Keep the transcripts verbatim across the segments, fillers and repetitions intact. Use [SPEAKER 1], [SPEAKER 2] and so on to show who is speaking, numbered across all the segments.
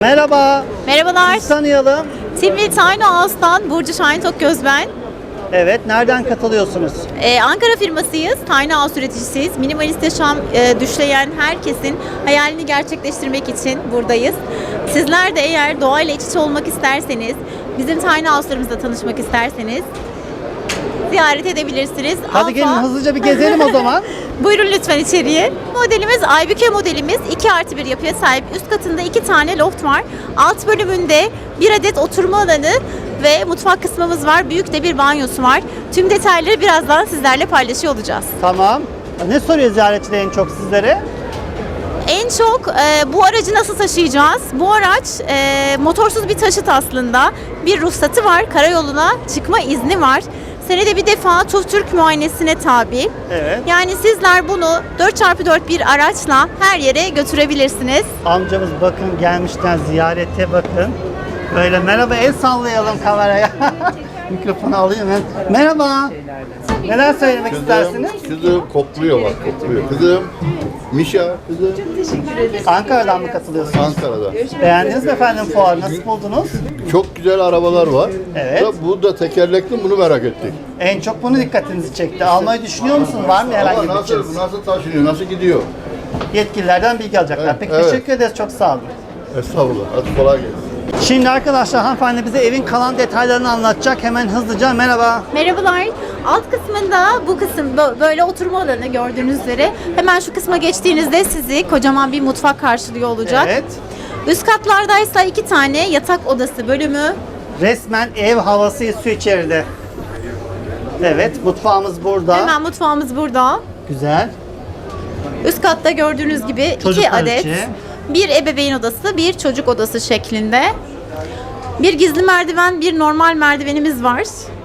[SPEAKER 1] Merhaba.
[SPEAKER 2] Merhabalar.
[SPEAKER 1] Sizi tanıyalım.
[SPEAKER 2] Timli Tiny House'tan Burcu Şahin Tokgöz ben.
[SPEAKER 1] Evet, nereden katılıyorsunuz?
[SPEAKER 2] Ee, Ankara firmasıyız. Tiny House üreticisiyiz. Minimalist yaşam e, düşleyen herkesin hayalini gerçekleştirmek için buradayız. Sizler de eğer doğayla iç içe olmak isterseniz, bizim Tiny House'larımızla tanışmak isterseniz ziyaret edebilirsiniz.
[SPEAKER 1] Hadi
[SPEAKER 2] Alfa-
[SPEAKER 1] gelin hızlıca bir gezelim o zaman.
[SPEAKER 2] Buyurun lütfen içeriye. Modelimiz Aybüke modelimiz. iki artı bir yapıya sahip. Üst katında iki tane loft var. Alt bölümünde bir adet oturma alanı ve mutfak kısmımız var. Büyük de bir banyosu var. Tüm detayları birazdan sizlerle paylaşıyor olacağız.
[SPEAKER 1] Tamam. Ne soruyor ziyaretçiler en çok sizlere?
[SPEAKER 2] En çok e, bu aracı nasıl taşıyacağız? Bu araç e, motorsuz bir taşıt aslında. Bir ruhsatı var. Karayoluna çıkma izni var. Senede bir defa TÜV muayenesine tabi.
[SPEAKER 1] Evet.
[SPEAKER 2] Yani sizler bunu dört çarpı dört bir araçla her yere götürebilirsiniz.
[SPEAKER 1] Amcamız bakın gelmişten ziyarete bakın. Böyle merhaba el sallayalım kameraya. Mikrofonu alayım ben. Merhaba. Neler söylemek istersiniz?
[SPEAKER 3] Kızım kokluyor bak kokluyor. Kızım Mişa kızım
[SPEAKER 1] Ankara'dan mı katılıyorsunuz?
[SPEAKER 3] Ankara'da.
[SPEAKER 1] Beğendiniz mi efendim fuarı? Nasıl buldunuz?
[SPEAKER 3] Çok güzel arabalar var.
[SPEAKER 1] Evet.
[SPEAKER 3] Da bu da tekerlekli, bunu merak ettik.
[SPEAKER 1] En çok bunu dikkatinizi çekti. Almayı düşünüyor musunuz? Var mı herhangi
[SPEAKER 3] Ama
[SPEAKER 1] bir
[SPEAKER 3] nasıl,
[SPEAKER 1] bütçeniz?
[SPEAKER 3] nasıl taşınıyor, nasıl gidiyor?
[SPEAKER 1] Yetkililerden bilgi alacaklar.
[SPEAKER 3] Evet,
[SPEAKER 1] Peki
[SPEAKER 3] evet.
[SPEAKER 1] teşekkür ederiz. Çok sağ olun.
[SPEAKER 3] Estağfurullah. Hadi kolay gelsin.
[SPEAKER 1] Şimdi arkadaşlar hanımefendi bize evin kalan detaylarını anlatacak. Hemen hızlıca merhaba.
[SPEAKER 2] Merhabalar. Alt kısmında bu kısım bö- böyle oturma alanı gördüğünüz üzere. Hemen şu kısma geçtiğinizde sizi kocaman bir mutfak karşılıyor olacak.
[SPEAKER 1] Evet.
[SPEAKER 2] Üst katlardaysa iki tane yatak odası bölümü.
[SPEAKER 1] Resmen ev havası esiyor içeride. Evet, mutfağımız burada.
[SPEAKER 2] Hemen mutfağımız burada.
[SPEAKER 1] Güzel.
[SPEAKER 2] Üst katta gördüğünüz gibi iki
[SPEAKER 1] Çocuklar
[SPEAKER 2] adet.
[SPEAKER 1] için.
[SPEAKER 2] Bir ebeveyn odası, bir çocuk odası şeklinde. Bir gizli merdiven, bir normal merdivenimiz var.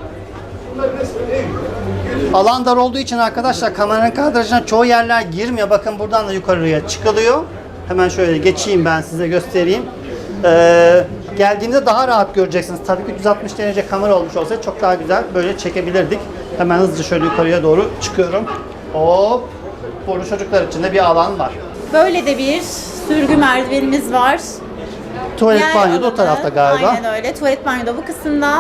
[SPEAKER 1] Alan dar olduğu için arkadaşlar kameranın kadrajına çoğu yerler girmiyor. Bakın buradan da yukarıya çıkılıyor. Hemen şöyle geçeyim ben size göstereyim. Ee, geldiğimde daha rahat göreceksiniz. Tabii ki üç yüz altmış derece kamera olmuş olsaydı çok daha güzel böyle çekebilirdik. Hemen hızlıca şöyle yukarıya doğru çıkıyorum. Hop. Burada çocuklar için de bir alan var.
[SPEAKER 2] Böyle de bir sürgü merdivenimiz var.
[SPEAKER 1] Tuvalet
[SPEAKER 2] Yer
[SPEAKER 1] banyo da o
[SPEAKER 2] alanı,
[SPEAKER 1] tarafta galiba.
[SPEAKER 2] Aynen öyle. Tuvalet banyo da bu kısımda.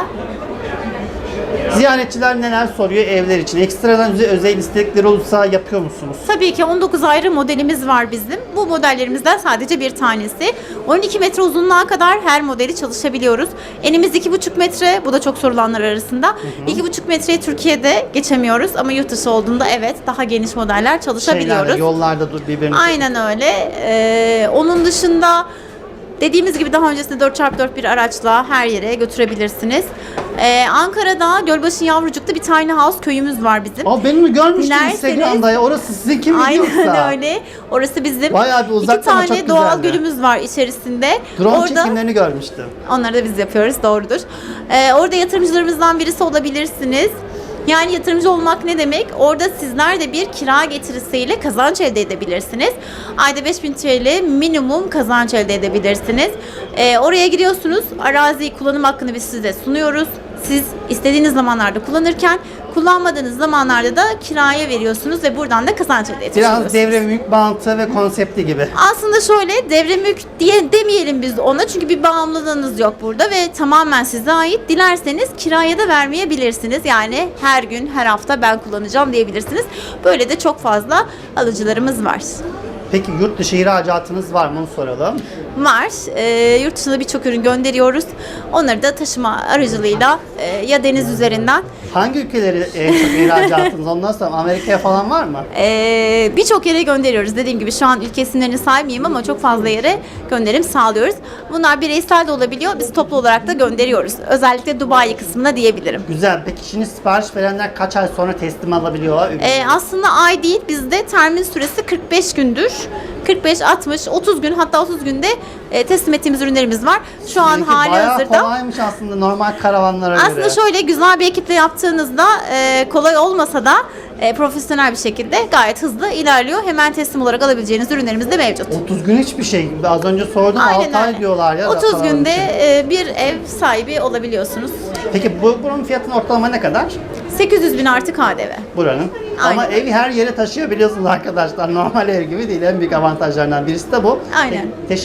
[SPEAKER 1] Ziyaretçiler neler soruyor evler için? Ekstradan özel- özel istekleri olursa yapıyor musunuz?
[SPEAKER 2] Tabii ki on dokuz ayrı modelimiz var bizim. Bu modellerimizden sadece bir tanesi. on iki metre uzunluğa kadar her modeli çalışabiliyoruz. Enimiz iki buçuk metre. Bu da çok sorulanlar arasında. iki buçuk metreyi Türkiye'de geçemiyoruz ama yurt dışı olduğunda evet daha geniş modeller çalışabiliyoruz.
[SPEAKER 1] Şeylerde, yollarda dur birbirini.
[SPEAKER 2] Aynen öyle. Ee, onun dışında dediğimiz gibi daha öncesinde dört çarpı dört bir araçla her yere götürebilirsiniz. Ee, Ankara'da Gölbaşı Yavrucuk'ta bir tiny house köyümüz var bizim.
[SPEAKER 1] Aa, ben onu görmüştüm
[SPEAKER 2] Dilerseniz-
[SPEAKER 1] Instagram'da ya. Orası sizin kim biliyorsa.
[SPEAKER 2] Aynen öyle. Orası bizim.
[SPEAKER 1] Bayağı bir uzakta
[SPEAKER 2] İki
[SPEAKER 1] ama
[SPEAKER 2] tane
[SPEAKER 1] çok
[SPEAKER 2] doğal
[SPEAKER 1] güzeldi.
[SPEAKER 2] gölümüz var içerisinde.
[SPEAKER 1] Drone
[SPEAKER 2] Orada
[SPEAKER 1] çekimlerini görmüştüm.
[SPEAKER 2] onları da biz yapıyoruz, doğrudur. Ee, orada yatırımcılarımızdan birisi olabilirsiniz. Yani yatırımcı olmak ne demek? Orada sizler de bir kira getirisiyle kazanç elde edebilirsiniz. Ayda beş bin T L minimum kazanç elde edebilirsiniz. Ee, oraya giriyorsunuz. Arazi kullanım hakkını biz size sunuyoruz. Siz istediğiniz zamanlarda kullanırken kullanmadığınız zamanlarda da kiraya veriyorsunuz ve buradan da kazanç elde etmiş
[SPEAKER 1] Biraz
[SPEAKER 2] oluyorsunuz.
[SPEAKER 1] devre mülk mantığı ve konsepti gibi.
[SPEAKER 2] Aslında şöyle devre mülk diye demeyelim biz ona çünkü bir bağımlılığınız yok burada ve tamamen size ait. Dilerseniz kiraya da vermeyebilirsiniz. Yani her gün her hafta ben kullanacağım diyebilirsiniz. Böyle de çok fazla alıcılarımız var.
[SPEAKER 1] Peki yurt dışı ihracatınız var mı onu soralım.
[SPEAKER 2] Var. Ee, yurt dışına birçok ürün gönderiyoruz. Onları da taşıma aracılığıyla e, ya deniz üzerinden
[SPEAKER 1] Hangi ülkeleri en çok ihracatınız? Ondan sonra Amerika'ya falan var mı?
[SPEAKER 2] Ee, birçok yere gönderiyoruz. Dediğim gibi şu an ülke isimlerini saymayayım ama çok fazla yere gönderim sağlıyoruz. Bunlar bireysel de olabiliyor. Biz toplu olarak da gönderiyoruz. Özellikle Dubai kısmına diyebilirim.
[SPEAKER 1] Güzel. Peki şimdi sipariş verenler kaç ay sonra teslim alabiliyorlar?
[SPEAKER 2] Ee, aslında ay değil. Bizde termin süresi kırk beş gündür. kırk beş, altmış, otuz gün hatta otuz günde e, teslim ettiğimiz ürünlerimiz var. Şu an
[SPEAKER 1] Sizinki
[SPEAKER 2] hali
[SPEAKER 1] bayağı
[SPEAKER 2] hazırda.
[SPEAKER 1] kolaymış aslında normal karavanlara göre.
[SPEAKER 2] Aslında şöyle güzel bir ekiple yaptığınızda e, kolay olmasa da e, profesyonel bir şekilde gayet hızlı ilerliyor. Hemen teslim olarak alabileceğiniz ürünlerimiz de mevcut.
[SPEAKER 1] otuz gün hiçbir şey. Az önce sordum altı ay diyorlar ya.
[SPEAKER 2] otuz
[SPEAKER 1] karavan
[SPEAKER 2] günde
[SPEAKER 1] için.
[SPEAKER 2] e, bir ev sahibi olabiliyorsunuz.
[SPEAKER 1] Peki bu, bunun fiyatının ortalama ne kadar?
[SPEAKER 2] sekiz yüz bin artı K D V.
[SPEAKER 1] Buranın. Ama
[SPEAKER 2] Aynen.
[SPEAKER 1] evi her yere taşıyabiliyorsunuz arkadaşlar. Normal ev gibi değil. En büyük avantajlarından birisi de bu.
[SPEAKER 2] Aynen.
[SPEAKER 1] Te- teşekkür ederiz.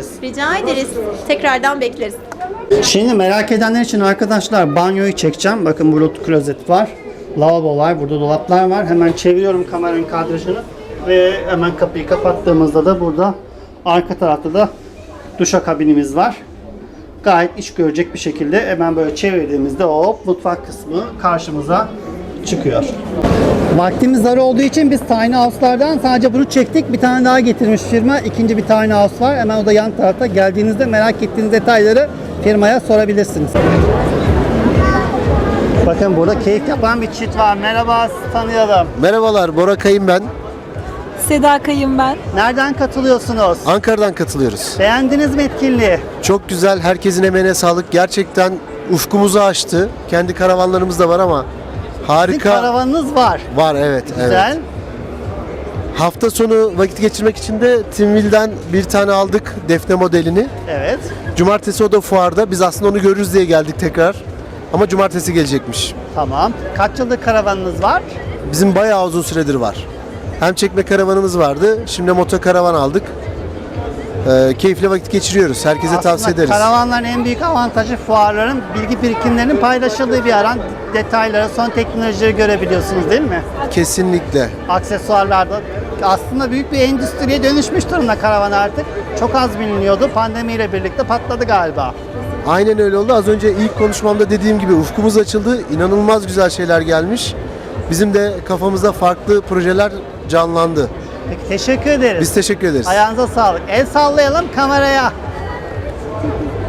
[SPEAKER 1] ederiz.
[SPEAKER 2] Rica ederiz. Tekrardan bekleriz.
[SPEAKER 1] Şimdi merak edenler için arkadaşlar banyoyu çekeceğim. Bakın burada klozet var. Lavabo var. Burada dolaplar var. Hemen çeviriyorum kameranın kadrajını. Ve hemen kapıyı kapattığımızda da burada arka tarafta da duşakabinimiz var. Gayet iş görecek bir şekilde hemen böyle çevirdiğimizde hop mutfak kısmı karşımıza çıkıyor. Vaktimiz dar olduğu için biz tiny house'lardan sadece bunu çektik. Bir tane daha getirmiş firma. İkinci bir tiny house var. Hemen o da yan tarafta. Geldiğinizde merak ettiğiniz detayları firmaya sorabilirsiniz. Bakın burada keyif yapan bir çift var. Merhaba, sizi tanıyalım.
[SPEAKER 4] Merhabalar, Bora Kayın ben.
[SPEAKER 5] Seda Kayın ben.
[SPEAKER 1] Nereden katılıyorsunuz?
[SPEAKER 4] Ankara'dan katılıyoruz.
[SPEAKER 1] Beğendiniz mi etkinliği?
[SPEAKER 4] Çok güzel, herkesin emeğine sağlık. Gerçekten ufkumuzu açtı. Kendi karavanlarımız da var ama
[SPEAKER 1] Sizin
[SPEAKER 4] harika.
[SPEAKER 1] karavanınız var.
[SPEAKER 4] Var, evet.
[SPEAKER 1] Güzel.
[SPEAKER 4] Evet. Hafta sonu vakit geçirmek için de Timwill'den bir tane aldık, Defne modelini.
[SPEAKER 1] Evet.
[SPEAKER 4] Cumartesi o da fuarda. Biz aslında onu görürüz diye geldik tekrar. Ama cumartesi gelecekmiş.
[SPEAKER 1] Tamam. Kaç yıllık karavanınız var?
[SPEAKER 4] Bizim bayağı uzun süredir var. Hem çekme karavanımız vardı, şimdi moto karavan aldık. Ee, keyifli vakit geçiriyoruz. Herkese
[SPEAKER 1] Aslında
[SPEAKER 4] tavsiye ederiz.
[SPEAKER 1] karavanların en büyük avantajı fuarların bilgi birikimlerinin paylaşıldığı bir alan. Detayları, son teknolojileri görebiliyorsunuz değil mi?
[SPEAKER 4] Kesinlikle.
[SPEAKER 1] Aksesuarlarda aslında büyük bir endüstriye dönüşmüş durumda karavan artık. Çok az biliniyordu. Pandemiyle birlikte patladı galiba.
[SPEAKER 4] Aynen öyle oldu. Az önce ilk konuşmamda dediğim gibi ufkumuz açıldı. İnanılmaz güzel şeyler gelmiş. Bizim de kafamızda farklı projeler canlandı.
[SPEAKER 1] Peki teşekkür ederiz.
[SPEAKER 4] Biz teşekkür ederiz.
[SPEAKER 1] Ayağınıza sağlık. El sallayalım kameraya.